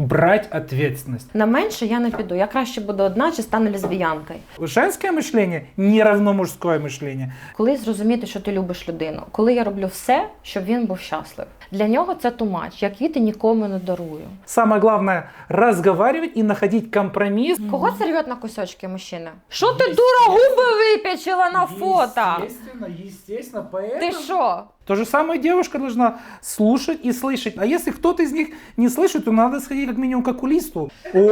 брать ответственность. На менше я не піду. Я краще буду одна чи стану лесбіянкою. Женское мышление не равно мужское мышление. Коли зрозуміти, що ти любиш людину, коли я роблю все, щоб він був щасливий. Для нього це too much. Я квіти нікому не дарую. Самое главное разговаривать и находить компромисс. Кого це рвет на кусочки мужчина? Що ти, дура, губи вип'ячила на фото? Естественно, поэтому... Ти що? То же самое девушка должна слушать и слышать. А если кто-то из них не слышит, то надо сходить как минимум к окулисту.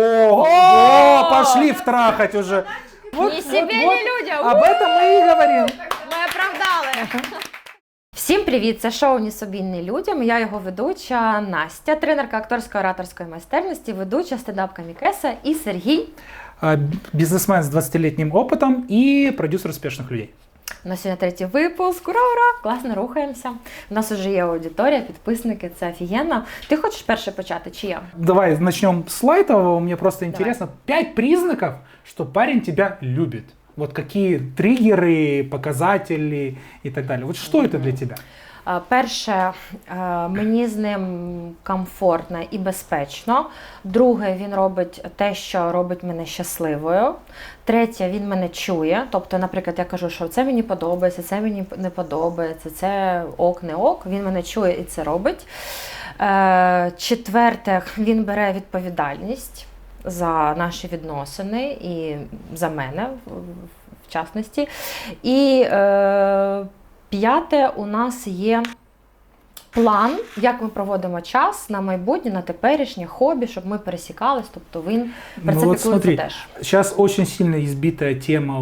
О, пошли втрахать уже. Ні себе, ні людям. Об этом мы и говорим. Ми оправдали. Всім привіт! Це шоу «Ні собі, ні людям». Я його ведуча Настя, тренерка акторської ораторської майстерності, ведуча стендап-комікеса і Сергій. Бизнесмен с 20-летним опытом и продюсер успешных людей. У нас сьогодні третій випуск. Ура-ура! Класно рухаємося. У нас вже є аудиторія, підписники, це офігенно. Ти хочеш перше почати, чи я? Давай начнем с лайтового. Мне просто интересно. 5 признаков, что парень тебя любит. Вот какие триггеры, показатели и так далее. Вот что это для тебя? Перше, мені з ним комфортно і безпечно. Друге, він робить те, що робить мене щасливою. Третє, він мене чує. Тобто, наприклад, я кажу, що це мені подобається, це мені не подобається, це ок, не ок. Він мене чує і це робить. Четверте, він бере відповідальність за наші відносини і за мене, в частності. І п'яте, у нас є план, як ми проводимо час на майбутнє, на теперішнє хобі, щоб ми пересікались, тобто він про це піклується теж. Сейчас очень сильно избитая тема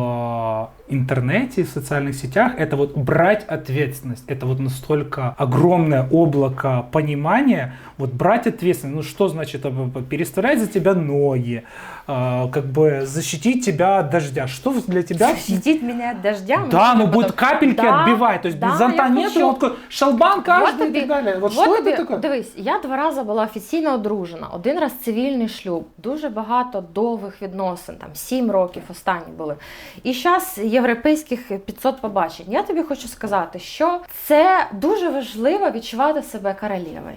в интернете, в социальных сетях, это вот брать ответственность. Это вот настолько огромное облако понимания, вот брать ответственность. Ну что значит переставлять за тебя ноги, как бы защитить тебя от дождя? Что для тебя? Защитить меня от дождя? Да, ну будет капельки отбивать, то есть без зонта нет, он такой шалбан каждый и так далее. Вот что это такое? Дивись, я 2 рази була офіційно одружена, 1 раз цивільний шлюб, дуже багато довгих відносин, там 7 років останні були. І зараз європейських 500 побачень. Я тобі хочу сказати, що це дуже важливо відчувати себе королевою.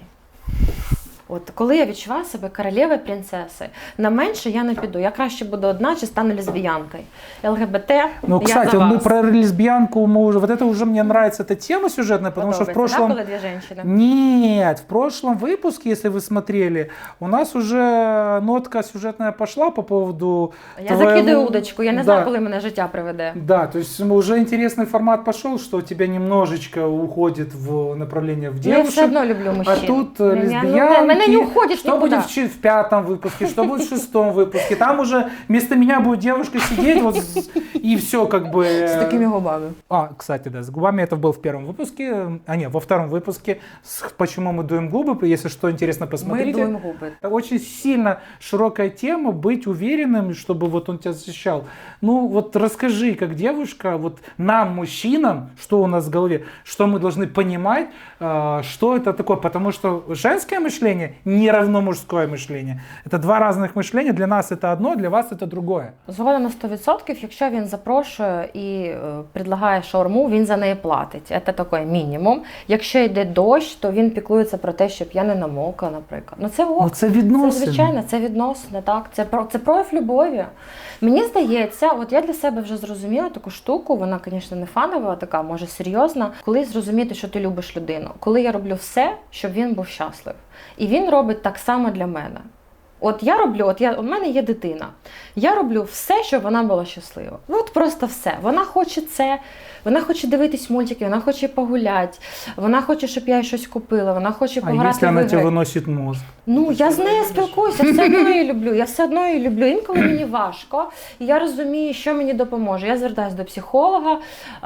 От коли я відчуваю себе королевою, принцесою, на менше я не піду. Я краще буду одна чи стану лесбіянкою. ЛГБТ, ну, я кстати, за вас. Мы про лесбиянку, мы уже, вот это уже мне нравится, эта тема сюжетная, потому что в прошлом... Да, было 2 женщины? Нет, в прошлом выпуске, если вы смотрели, у нас уже нотка сюжетная пошла по поводу... Я закидаю удочку, я не знаю, коли мене життя приведе. Да, то есть уже интересный формат пошел, что у тебя немножечко уходит в направление в девушек. Я все одно люблю мужчин. А тут лесбиянки. Она не уходит что никуда. Будет в 5-м выпуске, что будет в 6-м выпуске. Там уже вместо меня будет девушка сидеть вот, и все как бы... С такими губами. Кстати, да, с губами это был в 1-м выпуске. Во 2-м выпуске «Почему мы дуем губы». Если что интересно, посмотрите. Мы дуем губы. Это очень сильно широкая тема, быть уверенным, чтобы вот он тебя защищал. Ну вот расскажи, как девушка, вот нам, мужчинам, что у нас в голове, что мы должны понимать, что это такое. Потому что женское мышление не равно мужское мышление. Это 2 разных мышления. Для нас это одно, для вас это другое. Згодом на 100%, якщо він запрошує і предлагає шаурму, він за неї платить. Це такий мінімум. Якщо йде дощ, то він піклується про те, щоб я не намокла, наприклад. Ну це ок. Ну, це відносини. Це звичайно, це відносини, так. Це прояв любові. Мені здається, от я для себе вже зрозуміла таку штуку, вона, звісно, не фанова, така, може, серйозна. Коли зрозуміти, що ти любиш людину. Коли я роблю все, щоб він був щасливий. І він робить так само для мене. От я роблю, у мене є дитина. Я роблю все, щоб вона була щаслива. От просто все. Вона хоче це, вона хоче дивитись мультики, вона хоче погуляти, вона хоче, щоб я їй щось купила, вона хоче пограти в ігри. А якщо вона тебе виносить мозк? Ну, я з нею спілкуюся, я все одно її люблю, я все одно її люблю. Інколи мені важко, і я розумію, що мені допоможе. Я звертаюся до психолога,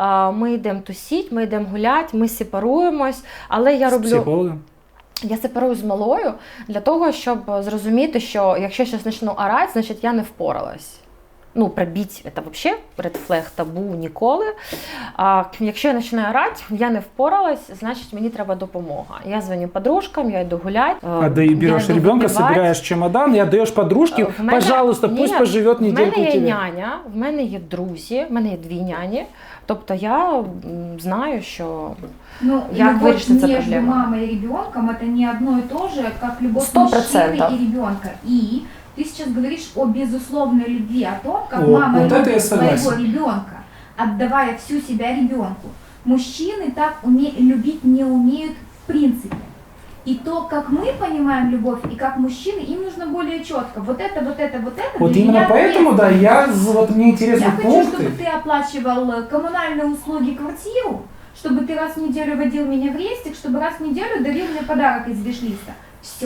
ми йдемо тусіть, ми йдемо гуляти, ми сепаруємось, але я роблю... З психологом? Я сепарую з малою для того, щоб зрозуміти, що якщо я щось почну орати, значить я не впоралась. Ну, пробіть, це взагалі red flag, табу ніколи. А якщо я починаю орати, я не впоралась, значить мені треба допомога. Я дзвоню подружкам, я йду гуляти. А ты берешь ребенка, собираешь чемодан и отдаешь подружке, пожалуйста, пусть поживет недельку у тебя. В мене є няня, в мене є друзі, в мене є 2 няні. Тобто я знаю, що Ну, як любовь вирішити цю между проблему. мамой и ребенком это не одно и то же, как любовь 100%. мужчины и ребенка. И ты сейчас говоришь о безусловной любви, о том, как О, мама вот это я любит своего согласен. ребенка, отдавая всю себя ребенку. Мужчины так любить не умеют в принципе. И то, как мы понимаем любовь, и как мужчины, им нужно более четко. Вот это, вот это, вот это. Вот для именно меня поэтому, да, вот мне интересны я хочу, пункты. чтобы ты оплачивал коммунальные услуги, квартиру, чтобы ты раз в неделю водил меня в рестик, чтобы раз в неделю дарил мне подарок из виш-листа. Все.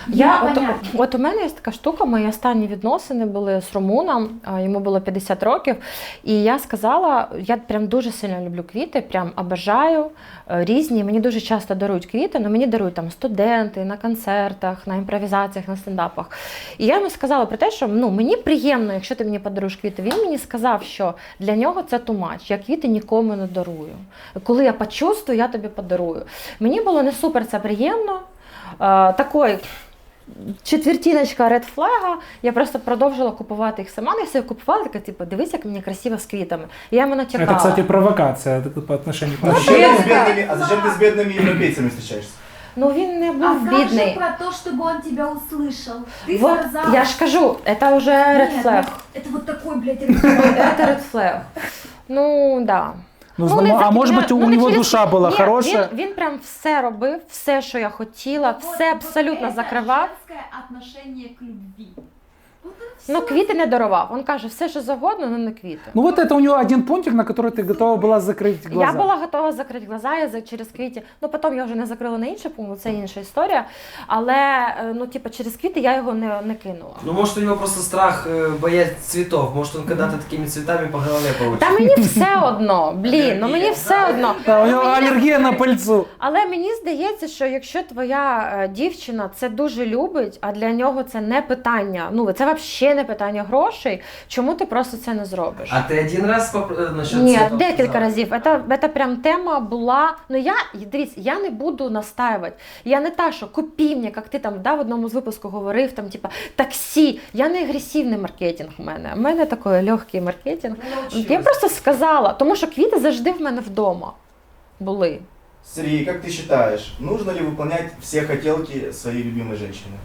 От у мене є така штука, мої останні відносини були з румуном, йому було 50 років, і я сказала, я прям дуже сильно люблю квіти, прям обожаю, різні, мені дуже часто дарують квіти, але мені дарують там студенти, на концертах, на імпровізаціях, на стендапах. І я йому сказала про те, що мені приємно, якщо ти мені подаруєш квіти. Він мені сказав, що для нього це too much, я квіти нікому не дарую. Коли я почувствую, я тобі подарую. Мені було не супер це приємно. Такой четвертиночка ред флага, я просто продовжила купувати їх сама, я собі купувала, така, типу, дивись, як мені красиво з квітами. І я йому натякала. Это, кстати, провокация по отношению к А мужчинам. зачем ты с бедными европейцами встречаешься? Ну він не А був как же бідний. про то, чтобы он тебя услышал? Ты Вот, сказала. я ж кажу, це вже Нет, red flag. это вот такой, блядь, red flag. Це red flag. Ну, да. А может быть, у него душа была Ні, хорошая? Він прям все робив, все, що я хотіла, все абсолютно закривав. Женское отношение к любви. Вот это Ну, всё. квіти не дарував. Він каже, все, що завгодно, але не квіти. Ну вот это у него один пунктик, на который ты готова была закрыть глаза. Я була готова закрити глаза через квіти. Ну, потім я вже не закрила на інший пункт, це інша історія. Але, через квіти я його не кинула. Ну, может, у него просто страх боязнь цветов. Может, он когда-то такими цветами по голове получит. Та мені все одно, мені все одно. Да, у него аллергия на пыльцу. Але мені здається, що якщо твоя дівчина це дуже любить, а для нього це не питання, це взагалі не питання грошей, чому ти просто це не зробиш? А ты один раз насчет Ні, цветов декілька сказала? разів. Це прям тема була. Дивіться, я не буду настаювати. Я не та, що купи мені, як ти там в одному з випусків говорив, там, таксі. Я не агресивний маркетинг у мене. У мене такий легкий маркетинг. Я просто сказала, тому що квіти завжди в мене вдома були. Сергей, как ты считаешь, нужно ли выполнять все хотелки своей любимой женщины?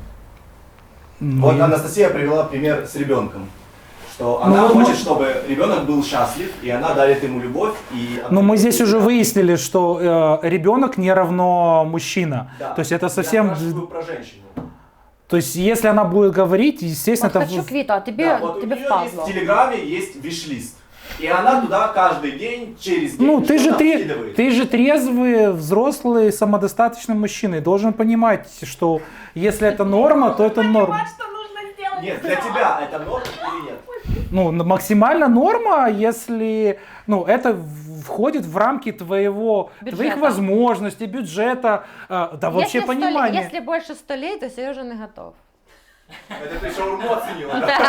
Вот Анастасия привела пример с ребенком. Что она хочет, чтобы ребенок был счастлив, и она дарит ему любовь. Но мы здесь уже выяснили, что ребенок не равно мужчина. Да. То есть это совсем... Я спрашиваю про женщину. То есть если она будет говорить, естественно... От хочу квіту, а тобі, Да, вот тобі у нее впазло. есть в Телеграме есть виш-лист. И она туда каждый день, через день, Ну, что-то скидывает. ты же трезвый, взрослый, самодостаточный мужчина. И должен понимать, что если это норма, то это норма. Что нужно сделать? Нет, для тебя это норма или нет? Ну, максимально норма, если это входит в рамки твоих Бюджета. возможностей, бюджета, да вообще понимания. Если больше 100 лет, то Сережа не готов. Это ты шаурму оценила, да?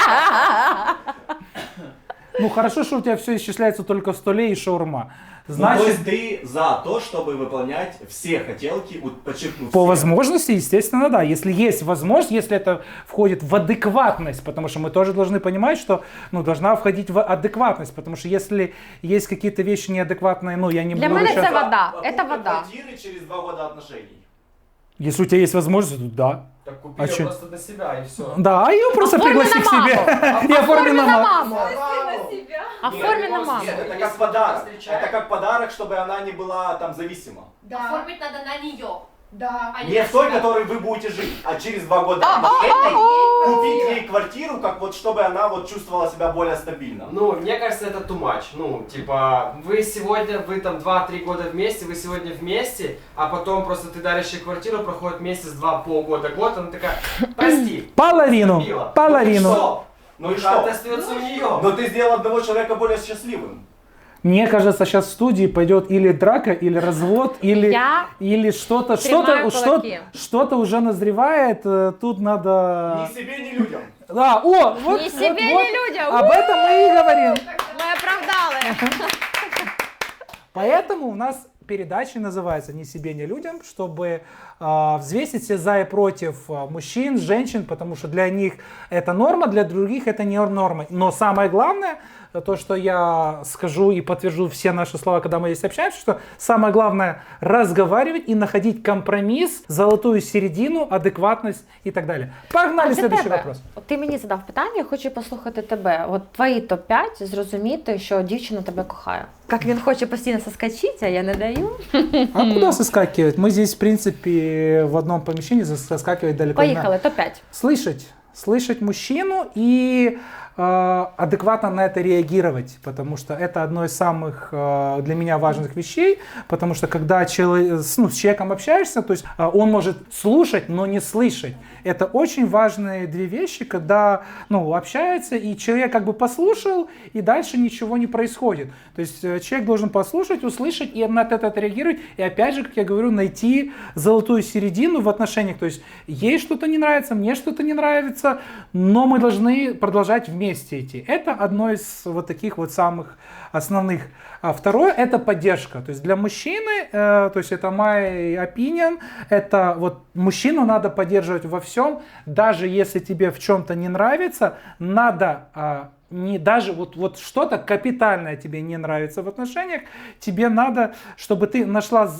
Ну, хорошо, что у тебя все исчисляется только в столе и шаурма. Ну, то Значит, есть ты за то, чтобы выполнять все хотелки, подчеркну, по все. возможности, естественно, да. Если есть возможность, если это входит в адекватность, потому что мы тоже должны понимать, что должна входить в адекватность, потому что если есть какие-то вещи неадекватные, я не Для буду меня сейчас... это вода, Покупка это вода. квартиры через 2 года отношений. Если у тебя есть возможность, то да. Так купи А её чё? просто для себя и все. Да, а ее просто Оформи пригласи на к себе. маму. И оформи на маму. маму. Оформи на Нет, маму. Нет, это Если как подарок. встречаешь- Это как подарок, чтобы она не была там зависима. Да. Оформить надо на нее. Да. Не в той, которой вы будете жить, а через 2 года отношений купить ей квартиру, как чтобы она чувствовала себя более стабильно. Ну, мне кажется, это too much. Ну, типа, вы там 2-3 года вместе, вы сегодня вместе, а потом просто ты даришь ей квартиру, проходит месяц, 2, полгода, год, она такая, прости. Половину, забила». половину. Ну и что? Это остается у нее. Но ты сделал одного человека более счастливым. Мне кажется, сейчас в студии пойдет или драка, или развод, или что-то, тримаю кулаки. что-то уже назревает. Тут надо... Ни себе, ни людям. Да, вот, Ни себе, ни людям. Об этом мы и говорим. Ми оправдали. Поэтому у нас передача называется «Ни себе, ни людям», чтобы взвесить все за и против мужчин, женщин, потому что для них это норма, для других это не норма. Но самое главное, то, что я скажу и подтвержу все наши слова, когда мы здесь общаемся, что самое главное разговаривать и находить компромисс, золотую середину, адекватность и так далее. Погнали, следующий вопрос. От ти мені задав питання, я хочу послухати тебе. От твої топ-5 зрозуміти, що дівчина тебе кохає. Як він хоче постійно соскочити, а я не даю. А куда соскакивать? Мы здесь, в принципе, в одном помещении соскакивать далеко не надо. Поїхали, топ-5. Слышать мужчину и адекватно на это реагировать, потому что это одно из самых для меня важных вещей, потому что когда с человеком общаешься, то есть он может слушать, но не слышать. Это очень важные две вещи, когда общается, и человек как бы послушал, и дальше ничего не происходит. То есть человек должен послушать, услышать и на это реагировать, и опять же, как я говорю, найти золотую середину в отношениях. То есть ей что-то не нравится, мне что-то не нравится, но мы должны продолжать вместе идти. Это одно из вот таких вот самых основных. А второе — это поддержка. То есть для мужчины, то есть это my opinion, это вот мужчину надо поддерживать во всем, даже если тебе в чем-то не нравится, надо не даже вот что-то капитальное тебе не нравится в отношениях, тебе надо, чтобы ты нашла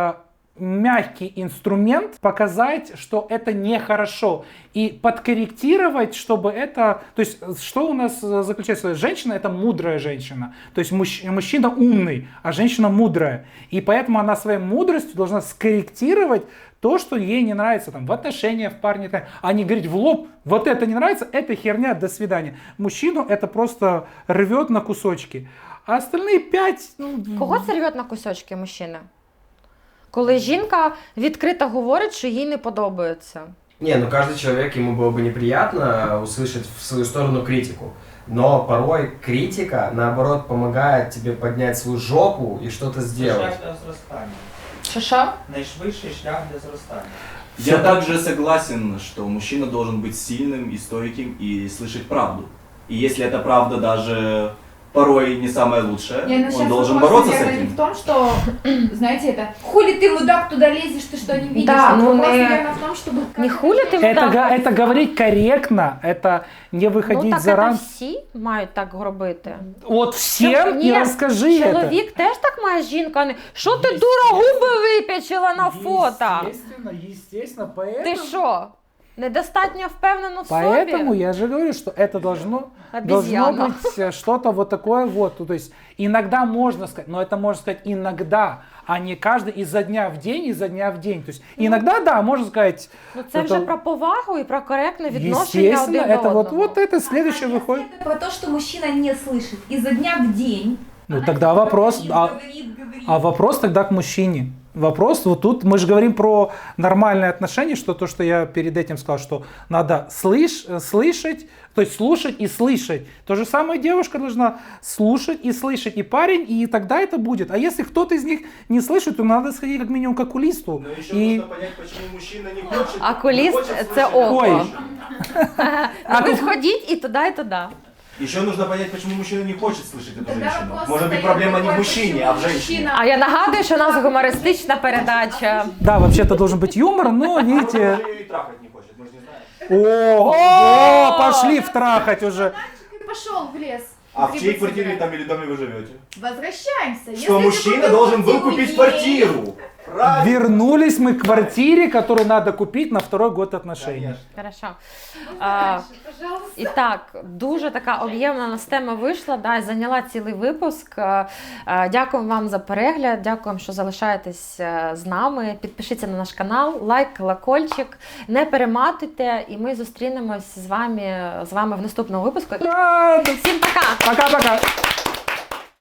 мягкий инструмент показать, что это нехорошо, и подкорректировать, чтобы это... То есть, что у нас заключается? Женщина — это мудрая женщина. То есть, мужчина умный, а женщина мудрая. И поэтому она своей мудростью должна скорректировать то, что ей не нравится там, в отношениях, в парне, а не говорить в лоб: вот это не нравится, это херня, до свидания. Мужчину это просто рвет на кусочки. А остальные 5... Кого це рвет на кусочки, мужчина? Коли жінка відкрито говорить, що їй не подобається. Не, ну каждый человек, ему было бы неприятно услышать в свою сторону критику. Но порой критика, наоборот, помогает тебе поднять свою жопу и что-то сделать. Шлях для зростання. Що? Найшвидший шлях для зростання. Я также согласен, что мужчина должен быть сильным и стойким и слышать правду. И если эта правда даже порой не самая лучшая, он должен бороться с Я говорю этим. в том, что, знаете, это хули ты, мудак, туда лезешь, ты что не видишь? Да, ну вопрос, не- наверное, в том, чтобы... Не хули ти Это говорить корректно, это не выходить Ну так за це рамки. всі мають так робити. Вот всем Ні, и расскажи это. чоловік теж так має, жінка, а не що ти дура губи вип'ячила на фото? Естественно, Ти що? Недостатньо впевнено в Поэтому собі? я же говорю, что это должно Обезьяна. быть что-то вот такое вот. То есть иногда можно сказать, но это можно сказать иногда, а не каждый изо дня в день. То есть иногда, да, можно сказать. Ну це вже это- про повагу і про коректне відношення Естественно, один до это одного. вот это следующее выходит. Это про то, что мужчина не слышит изо дня в день. Ну Она тогда типа вопрос, говорит. а вопрос тогда к мужчине. Вопрос вот тут, мы же говорим про нормальные отношения, что то, что я перед этим сказал, что надо слышать, то есть слушать и слышать. То же самое девушка должна слушать и слышать, и парень, и тогда это будет. А если кто-то из них не слышит, то надо сходить как минимум к окулисту. Но еще И... нужно понять, почему мужчина не хочет. Окулист не хочет це слышать. око. Ой. А ви сходіть і туди, і туди. Еще нужно понять, почему мужчина не хочет слышать эту Тогда женщину. вопрос Может быть, встает проблема не в такой, мужчине, почему а в женщине. мужчина- А я нагадую, що у нас гумористична передача. Да, вообще-то должен быть юмор, но Может, видите... даже ее и трахать не хочет, мы же не знаем. О, пошли втрахать уже. Ты пошел в лес. А в чьей Требует квартире себя. там или доме вы живете? Возвращаемся. Что Если мужчина ты должен был купил купить квартиру, квартиру. Правильно. Вернулись мы к квартире, которую надо купить на второй год отношений. Конечно. Хорошо. Ну, А, дальше, пожалуйста. І так, дуже така об'ємна нас тема вийшла, да, і зайняла цілий випуск. Дякуємо вам за перегляд, дякуємо, що залишаєтесь з нами. Підпишіться на наш канал, лайк, колокольчик, не перематуйте, і ми зустрінемось з вами в наступному випуску. Да, Всім пока! пока-пока.